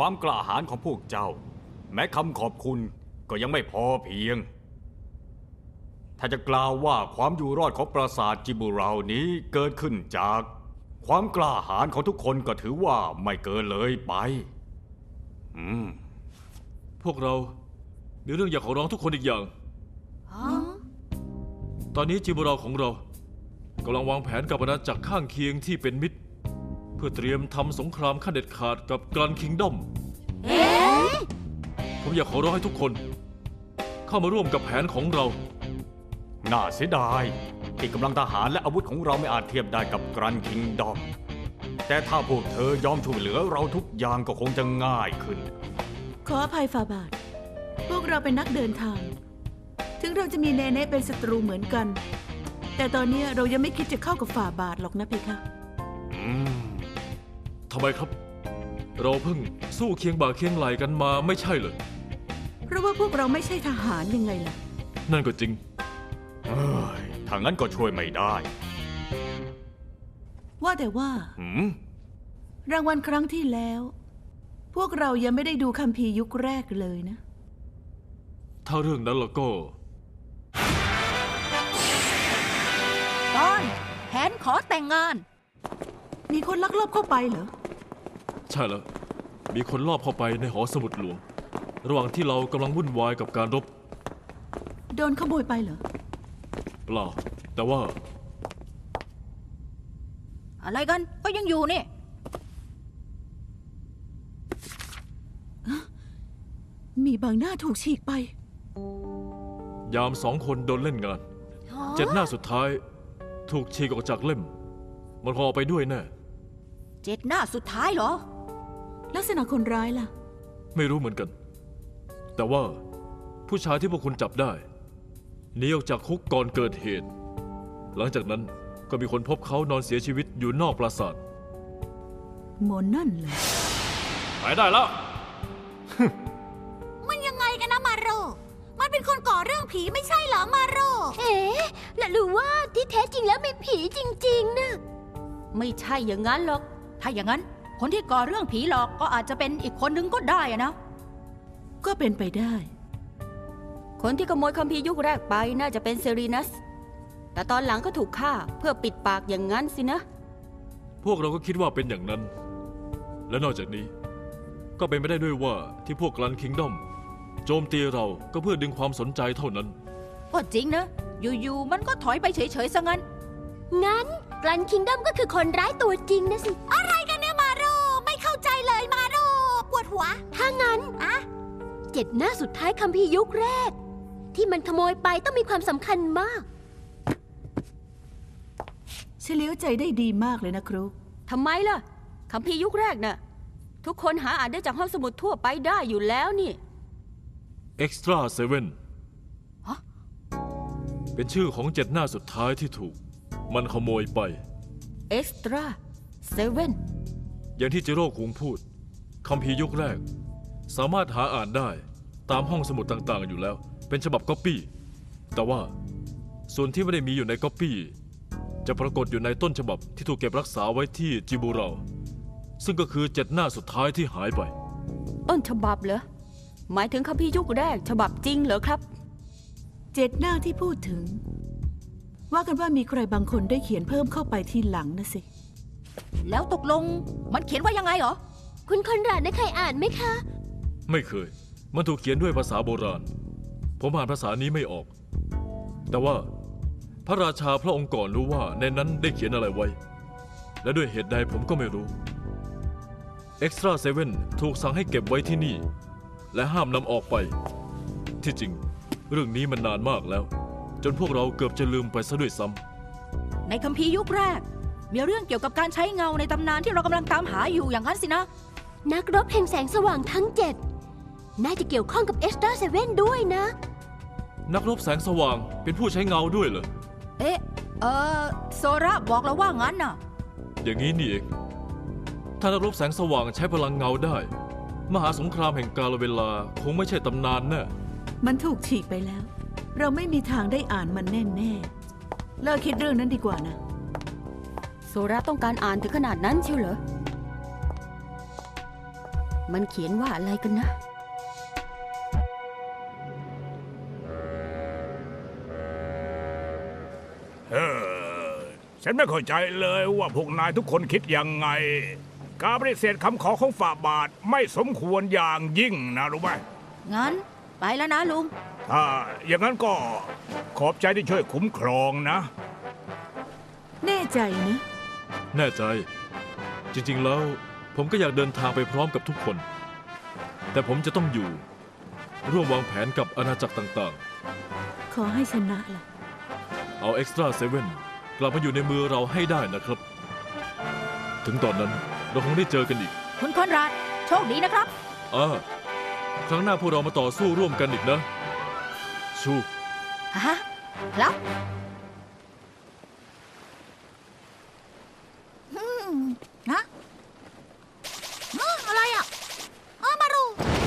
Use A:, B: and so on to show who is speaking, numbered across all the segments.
A: ความกล้าหาญของพวกเจ้าแม้คำขอบคุณก็ยังไม่พอเพียงถ้าจะกล่าวว่าความอยู่รอดของปราสาทจิบูเรานี้เกิดขึ้นจากความกล้าหาญของทุกคนก็ถือว่าไม่เกินเลยไป
B: พวกเรามีเรื่องอยากขอร้องทุกคนอีกอย่างตอนนี้จิบูเราของเรากำลังวางแผนกับอาณาจักรข้างเคียงที่เป็นมิตรเพื่อเตรียมทำสงครามขั้นเด็ดขาดกับกรันคิงดอมผมอยากขอร้องให้ทุกคนเข้ามาร่วมกับแผนของเรา
A: น่าเสียดายที่กำลังทหารและอาวุธของเราไม่อาจเทียบได้กับกรันคิงดอมแต่ถ้าพวกเธอยอมช่วยเหลือเราทุกอย่างก็คงจะง่ายขึ้น
C: ขออภัยฝ่าบาทพวกเราเป็นนักเดินทางถึงเราจะมีเนเน่เป็นศัตรูเหมือนกันแต่ตอนนี้เรายังไม่คิดจะเข้ากับฝ่าบาทหรอกนะเพคะ
B: ทำไมครับเราเพิ่งสู้เคียงบ่าเคียงไหลกันมาไม่ใช่เหรอ
C: เพราะว่าพวกเราไม่ใช่ทหารยังไงล่ะ
B: นั่นก็จริง
A: ถ้างั้นก็ช่วยไม่ได้
C: ว่าแต่ว่ารางวัลครั้งที่แล้วพวกเรายังไม่ได้ดูคัมภีร์ยุคแรกเลยนะ
B: ถ้าเรื่องนั้นแล้วก็
D: ตอนแผนขอแต่งงาน
C: มีคนลักลอบเข้าไปเหรอ
B: ใช่แล้วมีคนลอบเข้าไปในหอสมุดหลวงระหว่างที่เรากำลังวุ่นวายกับการรบ
C: โดนขโมยไปเหรอ
B: เปล่าแต่ว่า
D: อะไรกันก็ยังอยู่นี่
C: มีบางหน้าถูกฉีกไป
B: ยาม2 คนโดนเล่นงาน7 หน้าสุดท้ายถูกฉีกออกจากเล่มมันคงเอาไปด้วยแน่
D: 7 หน้าสุดท้ายเหรอ
C: ลักษณะคนร้ายล่ะ
B: ไม่รู้เหมือนกันแต่ว่าผู้ชายที่พวกคุณจับได้หนีออกจากคุกก่อนเกิดเหตุหลังจากนั้นก็มีคนพบเขานอนเสียชีวิตอยู่นอกปราสาท
C: หมอนั่นเหรอ
B: ไปได้แล้ว
D: มันยังไงกันนะมาโรมันเป็นคนก่อเรื่องผีไม่ใช่เหรอมาโร
E: และหรือว่าที่แท้จริงแล้วมีผีจริงๆนะ
D: ไม่ใช่อย่างนั้นหรอกถ้าอย่างนั้นคนที่ก่อเรื่องผีหลอกก็อาจจะเป็นอีกคนนึงก็ได้นะ
C: ก็เป็นไปได้
E: คนที่ขโมยคัมภีร์ยุคแรกไปน่าจะเป็นเซรีนัสแต่ตอนหลังก็ถูกฆ่าเพื่อปิดปากอย่างนั้นสินะ
B: พวกเราก็คิดว่าเป็นอย่างนั้นและนอกจากนี้ก็เป็นไปได้ด้วยว่าที่พวกกรันคิงดอมโจมตีเราก็เพื่อดึงความสนใจเท่านั้น
D: ก็จริงนะอยู่ๆมันก็ถอยไปเฉยๆซะงั้น
E: กรันคิงดอมก็คือคนร้ายตัวจริงนะสิ
D: อะไรกันเนี่ยมาโรไม่เข้าใจเลยมาโรปวดหัว
E: ถ้างั้น7 หน้าสุดท้ายคัมภีร์ยุคแรกที่มันขโมยไปต้องมีความสำคัญมาก
C: เฉลียวใจได้ดีมากเลยนะครู
E: ทำไมล่ะคัมภีร์ยุคแรกน่ะทุกคนหาอ่านได้จากห้องสมุดทั่วไปได้อยู่แล้วนี่
B: Extra 7เป็นชื่อของ7 หน้าสุดท้ายที่ถูกมันขโมยไป
E: Extra 7
B: อย่างที่จิโร่คุงพูดคัมภีร์ยุคแรกสามารถหาอ่านได้ตามห้องสมุดต่างๆอยู่แล้วเป็นฉบับก๊อปปี้แต่ว่าส่วนที่ไม่ได้มีอยู่ในก๊อปปี้จะปรากฏอยู่ในต้นฉบับที่ถูกเก็บรักษาไว้ที่จิบูเราซึ่งก็คือ7 หน้าสุดท้ายที่หายไป
E: ต้นฉบับเหรอหมายถึงคัมภีร์ยุคแรกฉบับจริงเหรอครับ
C: 7 หน้าที่พูดถึงว่ากันว่ามีใครบางคนได้เขียนเพิ่มเข้าไปทีหลังนะสิ
D: แล้วตกลงมันเขียนว่ายังไงเหรอ
E: คุณคอนราดได้เคยอ่านไหมคะ
B: ไม่เคยมันถูกเขียนด้วยภาษาโบราณผมอ่านภาษานี้ไม่ออกแต่ว่าพระราชาพระองค์ก่อนรู้ว่าในนั้นได้เขียนอะไรไว้และด้วยเหตุใดผมก็ไม่รู้ Extra 7ถูกสั่งให้เก็บไว้ที่นี่และห้ามนำออกไปที่จริงเรื่องนี้มันนานมากแล้วจนพวกเราเกือบจะลืมไปซะด้วยซ้
D: ำในคัมภีร์ยุคแรกมีเรื่องเกี่ยวกับการใช้เงาในตำนานที่เรากำลังตามหาอยู่อย่างนั้นสินะ
E: นักรบแห่งแสงสว่างทั้ง7น่าจะเกี่ยวข้องกับ Extra 7ด้วยนะ
B: นักรบแสงสว่างเป็นผู้ใช้เงาด้วยเหรอ
D: โซระบอกเราว่างั้นน่ะ
B: อย่างนี้นี่เองถ้านักรบแสงสว่างใช้พลังเงาได้มหาสงครามแห่งกาลเวลาคงไม่ใช่ตำนานแน่
C: มันถูกฉีกไปแล้วเราไม่มีทางได้อ่านมันแน่ๆเลิกคิดเรื่องนั้นดีกว่านะ
E: โซระต้องการอ่านถึงขนาดนั้นเชียวเหรอมันเขียนว่าอะไรกันนะ
F: ฉันไม่เข้าใจเลยว่าพวกนายทุกคนคิดยังไง การปฏิเสธคำขอของฝ่าบาทไม่สมควรอย่างยิ่งนะรู้ไหม
D: งั้นไปแล้วนะลุง
F: ถ้าอย่างนั้นก็ขอบใจที่ช่วยคุ้มครองนะ
C: แน่ใจนะ
B: แน่ใจ จริงๆ แล้ว ผมก็อยากเดินทางไปพร้อมกับทุกคน แต่ผมจะต้องอยู่ ร่วมวางแผนกับอาณาจักรต่าง
C: ขอให้ชนะล่ะ
B: ๆ เอาเอ็กซ์ตร้าเซเว่นกลับมาอยู่ในมือเราให้ได้นะครับ ถึงตอนนั้นเราคงได้เจอกันอีก
D: คุณคอนราดโชคดีนะครับ
B: ครั้งหน้าพวกเรามาต่อสู้ร่วมกันอีกนะ ชู
D: ฮะ ครับนะอะไรอ่ะมาดู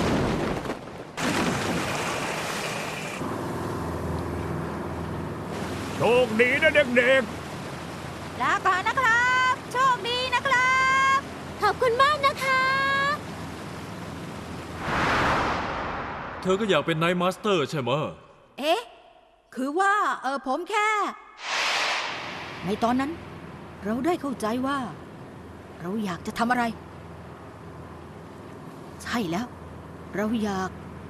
F: โชคดีนะเด็ก
D: ลาก่อนนะครับ โชคดีนะครับ
E: ขอบคุณมากนะคะ
B: เธอก็อยากเป็นไนท์มาสเตอร์ใช่ไหม
D: เอ๊ะ คือว่าผมแค่ ในตอนนั้น เราได้เข้าใจว่า เราอยากจะทำอะไร ใช่แล้ว เราอยาก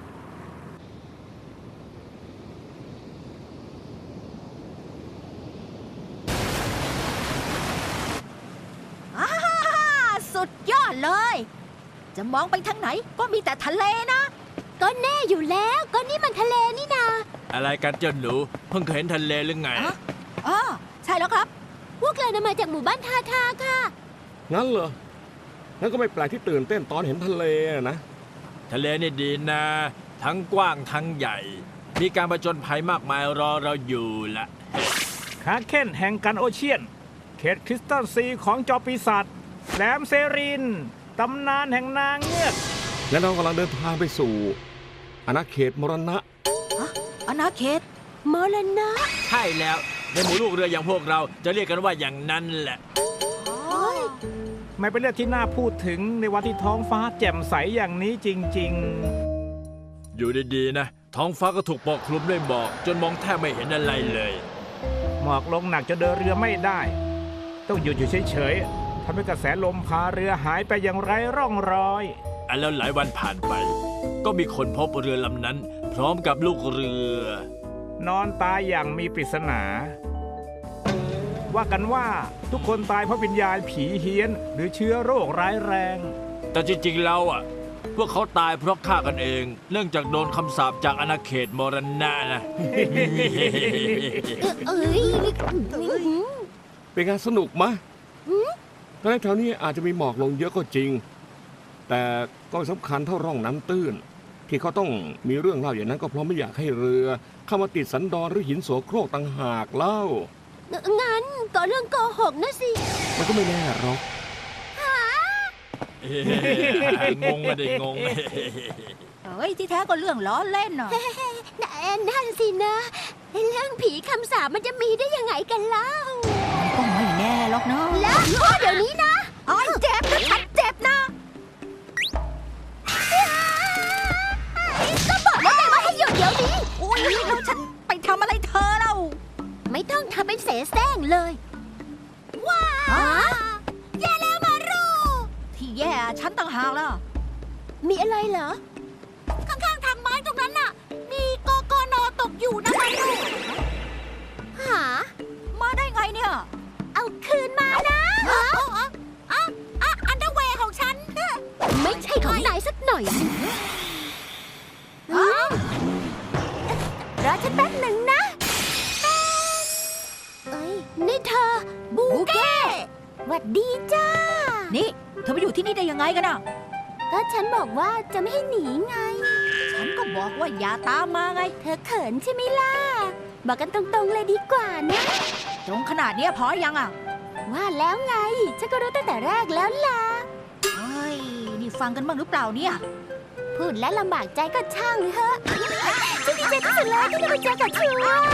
D: อาสุดยอดเลย จะมองไปทางไหนก็มีแต่ทะเลนะ
E: ก็แน่อยู่แล้ว ก็นี่มันทะเลนี่นา
G: อะไรกันเจ้าหนูเพิ่งเคยเห็นทะเลหรือไง
D: อ๋อใช่แล้วครับ
E: พวกเรานำมาจากหมู่บ้านทาทาค่ะ
H: งั้นเหรอ งั้นก็ไม่แปลกที่ตื่นเต้นตอนเห็นทะเลนะ
G: ทะเลนี่ดีนะ ทั้งกว้างทั้งใหญ่ มีการประจนภัยมากมายรอเราอยู่ละ
F: ๆคาเคนแห่งกันโอเชียน เขตคริสตัลซีของจอปีศาจแหลมเซริน ตำนานแห่งนางเงือก
H: และเรากำลังเดินทางไปสู่อาณาเขตมรณะ
D: อาณาเขต
E: มรณะ
G: ใช่แล้ว ในหมู่ลูกเรืออย่างพวกเราจะเรียกกันว่าอย่างนั้นแหละ
F: ไม่เป็นเรื่องที่น่าพูดถึงในวันที่ท้องฟ้าแจ่มใสอย่างนี้จริง
G: อยู่ดีๆนะ ท้องฟ้าก็ถูกปกคลุมด้วยหมอกจนมองแทบไม่เห็นอะไรเลย
F: ๆ หมอกลงหนักจนเดินเรือไม่ได้ ต้องหยุดอยู่เฉยๆทำให้กระแสลมพาเรือหายไปอย่างไร้ร่องรอย
G: แล้วหลายวันผ่านไป ก็มีคนพบเรือลำนั้น พร้อมกับลูกเรือ
F: นอนตายอย่างมีปริศนา ว่ากันว่าทุกคนตายเพราะวิญญาณผีเฮี้ยน หรือเชื้อโรคร้ายแรง
G: แต่จริงๆแล้วพวกเขาตายเพราะฆ่ากันเอง เนื่องจากโดนคำสาปจากอาณาเขตมรณะนะ
E: เอ้ย
H: เป็นงานสนุกมะตอนแรกแถวนี้อาจจะมีหมอกลงเยอะก็จริง แต่ก็ไม่สำคัญเท่าร่องน้ำตื้น ที่เขาต้องมีเรื่องเล่าอย่างนั้นก็เพราะไม่อยากให้เรือ เข้ามาติดสันดอนหรือหินโสโครกต่างหากเล่า
E: งั้นก็เรื่องโกหกนะสิ
H: มันก็ไม่แน่หรอก
G: งงไม่ได้งง
D: เฮ้ย ที่แท้ก็เรื่องล้อเล่นน่ะ
E: นั่นสินะ เรื่องผีคำสาปมันจะมีได้ยังไงกันเล่า
D: ก็ไม่แน่หรอกเนาะ
E: แล้วเดี๋ยวนี้นะ
D: โอ้ยเจ็บนะฉันเจ็บนะ
E: ก็บอกแล้วไงว่าให้หยุดเดี๋ยวนี้
D: อุ้ยแล้วฉันไปทำอะไรเธอเล่า
E: ไม่ต้องทำเป็นเสแสร้งเลย ว้าแย่แล้วมารู
D: ที่แย่ฉันต่างหากล่ะ
E: มีอะไรเหรอ ข้างๆทางไม้ตรงนั้นน่ะ มีกกนตกอยู่นะมารูหา
D: มาได้ไงเนี่ย
E: เอาคืนมานะอันเดอร์เวย์ของฉัน ไม่ใช่ของนายสักหน่อยรอฉันแป๊บหนึ่งนะเอ้ยนี่เธอ บูเก้หวัดดีจ้า
D: นี่เธอมาอยู่ที่นี่ได้ยังไงกันอ่ะ
E: ก็ฉันบอกว่าจะไม่ให้หนีไง
D: ฉันก็บอกว่าอย่าตามมาไง
E: เธอเขินใช่ไหมล่ะ บอกกันตรงๆเลยดีกว่านะ
D: ตรงขนาดเนี้ยพอยังอ่ะ
E: ว่าแล้วไง ฉันก็รู้ตั้งแต่แรกแล้วล่ะ
D: เฮ้ย นี่ฟังกันบ้างหรือเปล่าเนี่ย
E: พูดและลำบากใจก็ช่างเถอะฉันดีใจที่สุดเลยที่ได้มาเจอกับเธอ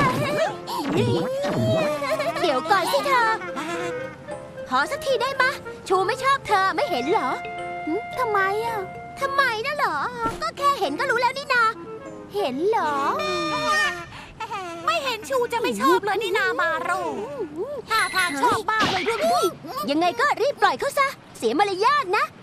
E: เดี๋ยวก่อนสิเธอ ขอสักทีได้มะ ชูไม่ชอบเธอไม่เห็นเหรอทำไมอ่ะทำไมนะเหรอ ก็แค่เห็นก็รู้แล้วนี่นา เห็นเหรอ
I: ไม่เห็นชูจะไม่ชอบเลยนี่นามาโรท่าทางชอบมากเลยด้วย
E: ยังไงก็รีบปล่อยเขาซะ เสียมารยาทนะ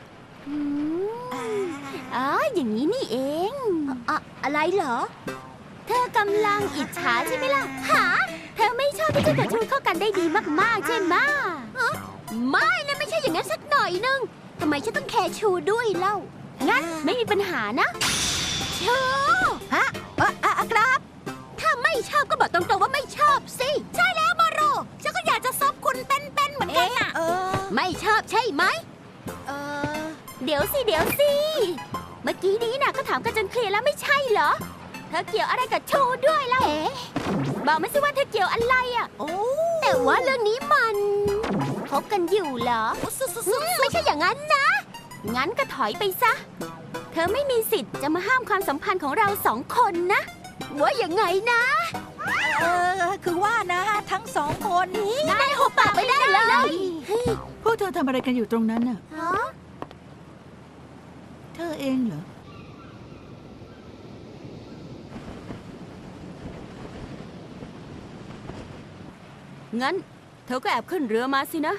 E: อ๋ออย่างนี้นี่เองอะไรเหรอ เธอกำลังอิจฉาใช่ไหมล่ะหาเธอไม่ชอบที่ฉันกับชูเข้ากันได้ดีมากๆใช่ไหมไม่นะไม่ใช่อย่างนั้นสักหน่อยนึงทำไมฉันต้องแคร์ชูด้วยเล่า งั้นไม่มีปัญหานะชูฮะครับ ถ้าไม่ชอบก็บอกตรงๆว่าไม่ชอบสิ
I: ใช่แล้วมาโรฉันก็อยากจะซบคุณเป็นๆเหมือนกันน่ะ
E: ไม่ชอบใช่ไหมเดี๋ยวสิ เมื่อกี้นี้น่ะก็ถามกันจนเคลียร์แล้วไม่ใช่เหรอ เธอเกี่ยวอะไรกับชูด้วยล่ะบอกมาสิว่าเธอเกี่ยวอะไรอ่ะแต่ว่าเรื่องนี้มันคบกันอยู่เหรอไม่ใช่อย่างนั้นนะ งั้นก็ถอยไปซะ เธอไม่มีสิทธิ์จะมาห้ามความสัมพันธ์ของเราสองคนนะว่าอย่างไงนะ
D: คือว่านะทั้งสองคน
E: นายหุบปากไปได้เลย
C: พวกเธอทำอะไรกันอยู่ตรงนั้นน่ะ
E: ฮะ
C: เธอเองเหรอ
J: งั้นเธอก็แอบขึ้นเรือมาสินะ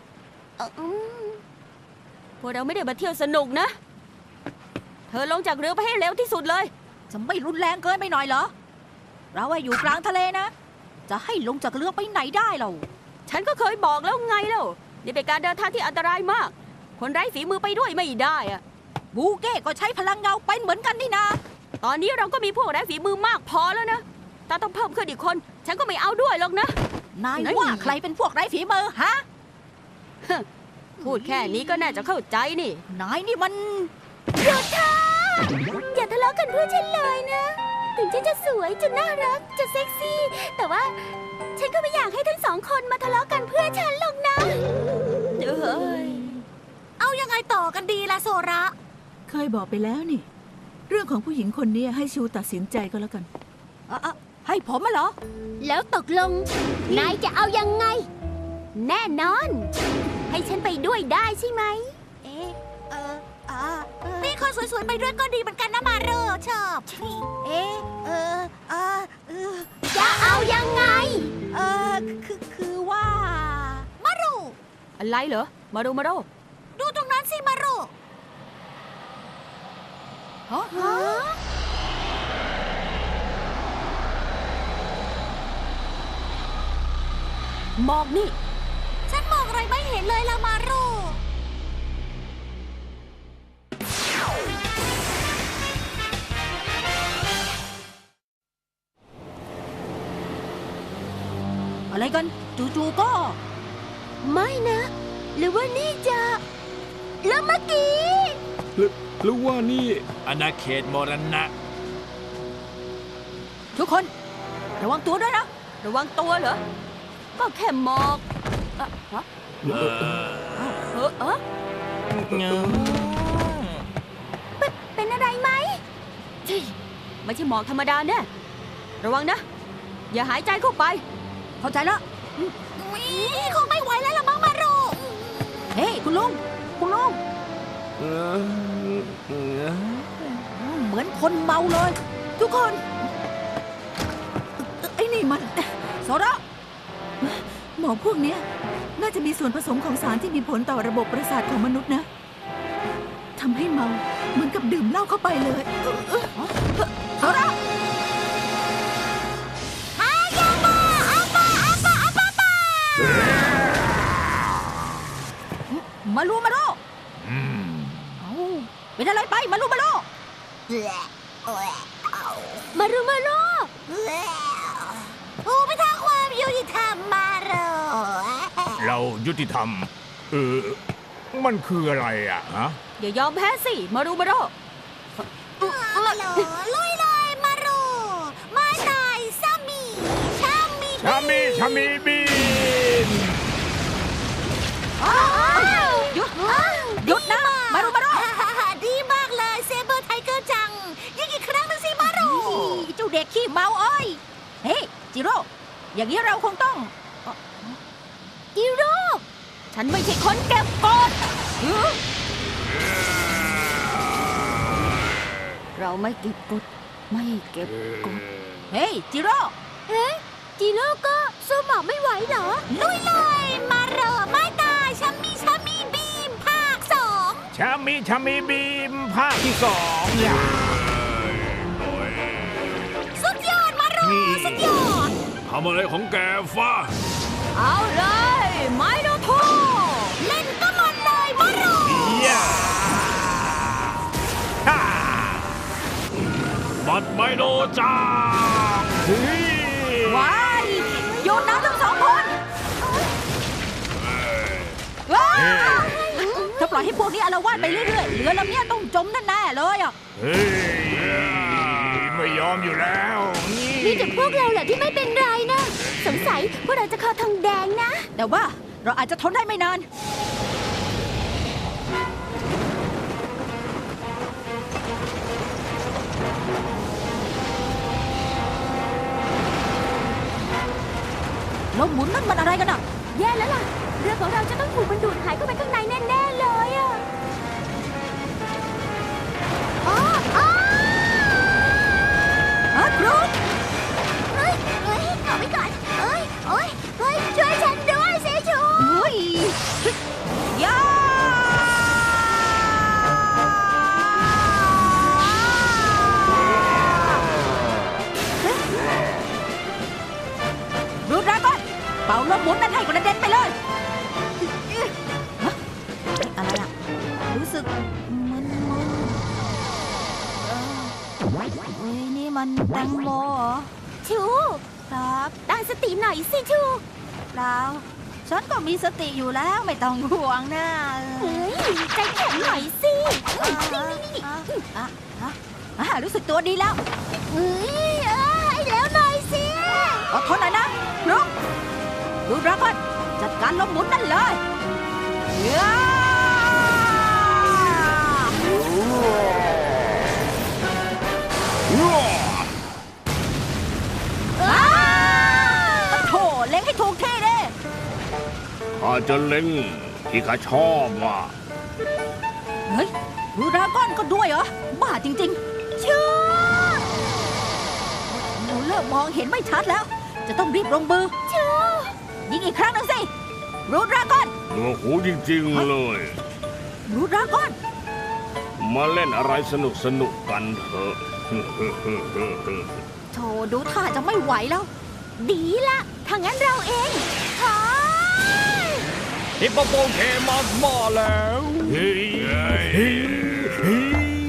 J: พวกเราไม่ได้มาเที่ยวสนุกนะ เธอลงจากเรือไปให้เร็วที่สุดเลย
D: จะไม่รุนแรงเกินไปหน่อยเหรอ เราอยู่กลางทะเลนะ จะให้ลงจากเรือไปไหนได้เรา
J: ฉันก็เคยบอกแล้วไงแล้วนี่เป็นการเดินทางที่อันตรายมาก คนไร้ฝีมือไปด้วยไม่ได้อะ
D: บูเก้ก็ใช้พลังเงาเป็นเหมือนกันนี่นะ
J: ตอนนี้เราก็มีพวกไร้ฝีมือมากพอแล้วนะถ้าต้องเพิ่มขึ้นอีกคน ฉันก็ไม่เอาด้วยหรอกนะ
D: นายว่าใครเป็นพวกไร้ฝีมือฮะ
J: พูดแค่นี้ก็น่าจะเข้าใจนี่
D: นายนี่มัน
E: หยุดเถอะอย่าทะเลาะกันเพื่อฉันเลยนะ ถึงฉันจะสวยจะน่ารักจะเซ็กซี่ แต่ว่าฉันก็ไม่อยากให้ทั้งสองคนมาทะเลาะกันเพื่อฉันหรอกนะ
I: เอายังไงต่อกันดีล่ะโซระ
C: เคยบอกไปแล้วนี่ เรื่องของผู้หญิงคนนี้ให้ชูตัดสินใจก็แล้วกัน
D: ให้ผมมาเหรอ
E: แล้วตกลง นายจะเอายังไง แน่นอน ให้ฉันไปด้วยได้ใช่ไหม
I: มีคนสวยๆไปด้วยก็ดีเหมือนกันนะมาโรชอบ
E: จะเอายังไง
D: คือว่า
I: มาโร
J: อะไรเหรอ มาดูมาดู
I: ดูตรงนั้นสิมาโร
J: มองนี่
I: ฉันมองอะไรไม่เห็นเลยละมาโร
D: อะไรกัน จู่ๆก็
E: ไม่นะ หรือว่านี่จะแล้วเมื่อกี้
H: หรือว่านี่
G: อาณาเขตมรณะ
D: ทุกคน ระวังตัวด้วยนะ
J: ระวังตัวเหรอ ก็แค่หมอกฮะ
E: เป็นอะไรไหม
J: ไม่ใช่หมอกธรรมดาแน่ระวังนะ อย่าหายใจเข้าไป
D: เข้าใจแล้ว
I: คงไม่ไหวแล้วละมั้งมาโร
D: เฮ้ยคุณลุง เหมือนคนเมาเลย
C: ทุกคน ไอ้นี่มัน
D: โซระ
C: หมอพวกเนี้ยน่าจะมีส่วนผสมของสารที่มีผลต่อระบบประสาทของมนุษย์นะทำให้เมาเหมือนกับดื่มเหล้าเข้าไปเลย
D: โซระมาลูมาโลเป็นอะไรไปมาลูมาโล
E: มารุมาโร
I: โอ้ไปทางความยุติธรรมมาโร
F: เรายุติธรรม มันคืออะไรอ่ะฮะ
J: อย่ายอมแพ้สิ มาดูมาดู
I: มาโรลุยเลยมาโรมาตายซามีชามี
F: ชามีบิน
D: หยุดนะ มาลูมาโล
I: ดีมากเลยเซเบอร์ไทเกอร์จังยิงอีกครั้งหนึงสิมาโร
D: เจ้าเด็กขี้เมาเอ้ย เฮ้ยจิโร่ อย่างนี้เราคงต้อง
E: จิโร่
J: ฉันไม่ใช่คนเก็บกด
E: เราไม่เก็บกดไม่เก็บกด
D: เฮ้ย จิโร่
E: จีโร่ก็สู้หมอกไม่ไหวเหรอ
I: ลุยเลย มาเหรอไม่ตายชัมมี่บีมภาค 2
F: ชามีบีมภาคที่ 2อย่า
I: สุดยอดมาเหรอสุดยอด
G: ทำอะไรของแกฟ้า
J: เอาเลยไมโนโท
I: เล่นก็มันเลยมาเหรอ
F: อย่าฮ่า
G: บัดไมโนจ้า
F: เฮ้ย
D: ว้ายโยนน้ำทั้งสองคนว้ายถ้าปล่อยให้พวกนี้อาละวาดไปเรื่อยๆเรือลำเนี้ยต้องจมแน่ๆเลยอ่ะ
F: เฮ้ยไม่ยอมอยู่แล้ว
E: มีแต่พวกเราแหละที่ไม่เป็นไรนะ สงสัยพวกเราจะคอทองแดงนะ
D: แต่ว่าเราอาจจะทนได้ไม่นาน ลมหมุนนั่นมันอะไรกันอ่ะ
E: แย่แล้วล่ะ เรือของเราจะต้องถูกมันดูดหายเข้าไปข้างในแน่ๆเลยอะอ๋ออ๋อ
D: ฮะครู
E: เฮ้ยเอาไว้ก่อนเฮ้ยช่วยฉันด้วยสิชู
D: เฮ้ยยาดูดราก้อนเป่าลมหมุนนั่นให้กระเด็นไปเลยฮะอะไรอ่ะ รู้สึกมึนเฮ้ยนี่มันแตงโมเหรอ
E: ชู
D: ครับ
E: ตั้งสติหน่อยสิชู
D: เปล่าฉันก็มีสติอยู่แล้วไม่ต้องห่วงนะ
E: เฮ้ยใจแข็งหน่อยสิ
D: รู้สึกตัวดีแล้ว
E: เฮ้ยให้แล้วหน่อยสิ
D: อดทนหน่อยนะลุงดูดราก้อนจัดการลมหมุนนั่นเลยยาโถเล็งให้ถูกที่ดิ
H: ข้าจะเล็งที่ข้าชอบว่ะ
D: เฮ้ยดูดราก้อนก็ด้วยเหรอ บ้าจริงๆชื่อหนูเริ่มมองเห็นไม่ชัดแล้ว จะต้องรีบลงมือชื่อยิงอีกครั้งหนึ่งสิรูดราก้อน
H: หนวกหูจริงๆเลย
D: รูดราก้อน
H: มาเล่นอะไรสนุกกันเถอะ
D: โถดูท่าจะไม่ไหวแล้ว
E: ดีละถ้างั้นเราเองขอ
A: ฮิปโปโปเคมัสมาแล้ว
F: เฮ้ย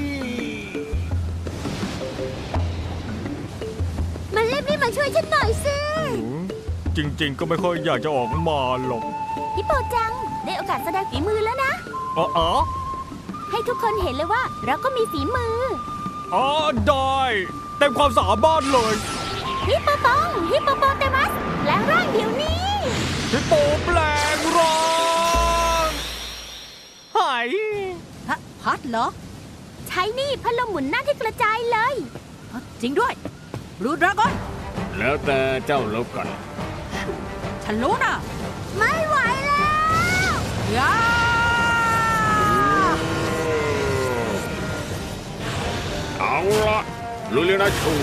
E: มันรีบมาช่วยฉันหน่อยสิ
A: จริงๆ ก็ไม่ค่อยอยากจะออกมาหรอก
E: ฮิปโปจัง ได้โอกาสแสดงฝีมือแล้วนะ
A: อ๋อ
E: ให้ทุกคนเห็นเลยว่าเราก็มีฝีมือ
A: อ๋อได้เต็มความสามารถเลย
E: ฮิปโปปองฮิปโปโปเตมัสแปลงร่างเดี๋ยวนี้
A: ฮิปโปแปลงร่างหาย
D: พัดเหรอ
E: ใช้นี่พัดลมหมุนหน้าที่กระจายเลย
D: จริงด้วย รูดราก้อน
H: แล้วแต่เจ้าแล้วกัน
D: ฉันรู้นะ
E: ไม่ไหวแล้ว
D: ยา
H: เอาละลุยเลยนะชู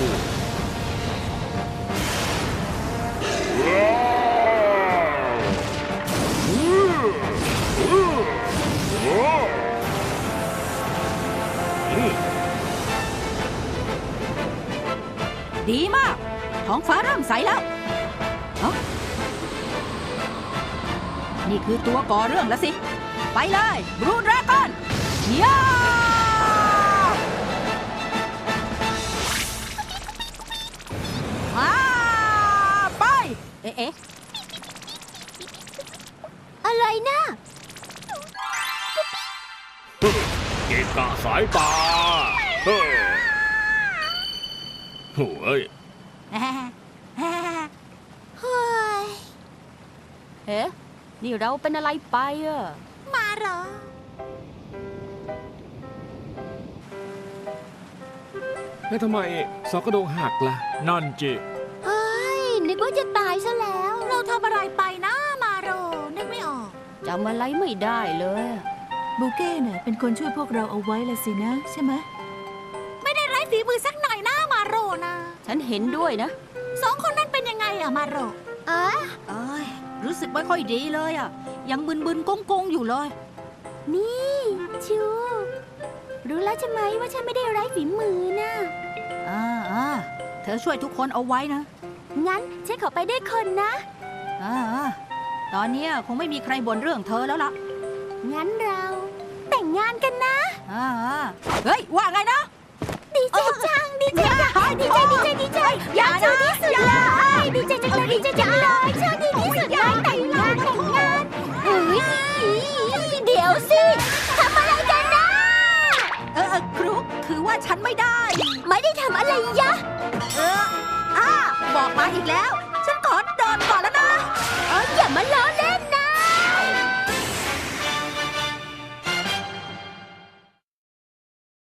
D: ดีมาก ท้องฟ้าเริ่มใสแล้วเอ้านี่คือตัวก่อเรื่องแล้วสิ ไปเลยบรูดราก้อนย่าไป เอ๊ะ
E: อะไรนะ
H: เกะกะสายตาเฮ้ยโอ้ย
E: เฮ้ย
J: เอ๊ะนี่เราเป็นอะไรไปอะ
I: มาเหรอ
H: แล้วทำไมซอกกระโดงหักล่ะ
G: นั่นจิ
E: เฮ้ย นึกว่าจะตายซะแล้ว
I: เราทำอะไรไปนะมาโรนึกไม่ออก
J: จำอะไรไม่ได้เลยอะ
C: บูเก้เนี่ยเป็นคนช่วยพวกเราเอาไว้ละสินะ ใช่ไหม
I: ไม่ได้ไร้ฝีมือสักหน่อยนะมาโรนะ
J: ฉันเห็นด้วยนะ
I: สองคนนั้นเป็นยังไงอะมาโร
D: เอ้ยรู้สึกไม่ค่อยดีเลยอ่ะ ยังบึนๆกงๆอยู่เลย
E: นี่ชูรู้แล้วใช่ไหมว่าฉันไม่ได้ไร้ฝีมือนะ
D: เธอช่วยทุกคนเอาไว้นะ
E: งั้นฉันขอไปด้วยคนนะ
D: ตอนนี้คงไม่มีใครบ่นเรื่องเธอแล้วล่ะ
E: งั้นเราแต่งงานกันนะ
D: เฮ้ย ว่าไงนะ
E: ดีใจจัง ดีใจจังดีใจดีใจดีใจอยากชูที่สุดเลยดีใจจังเลยดีใจจังเลยชอบดีที่สุดเลยแต่งงานเฮ้ยเดี๋ยวสิทำอะไรกันนะ
D: ครุกคือว่าฉันไม่ได้
E: ไม่ได้ทำอะไรยะ
D: บอกมาอีกแล้ว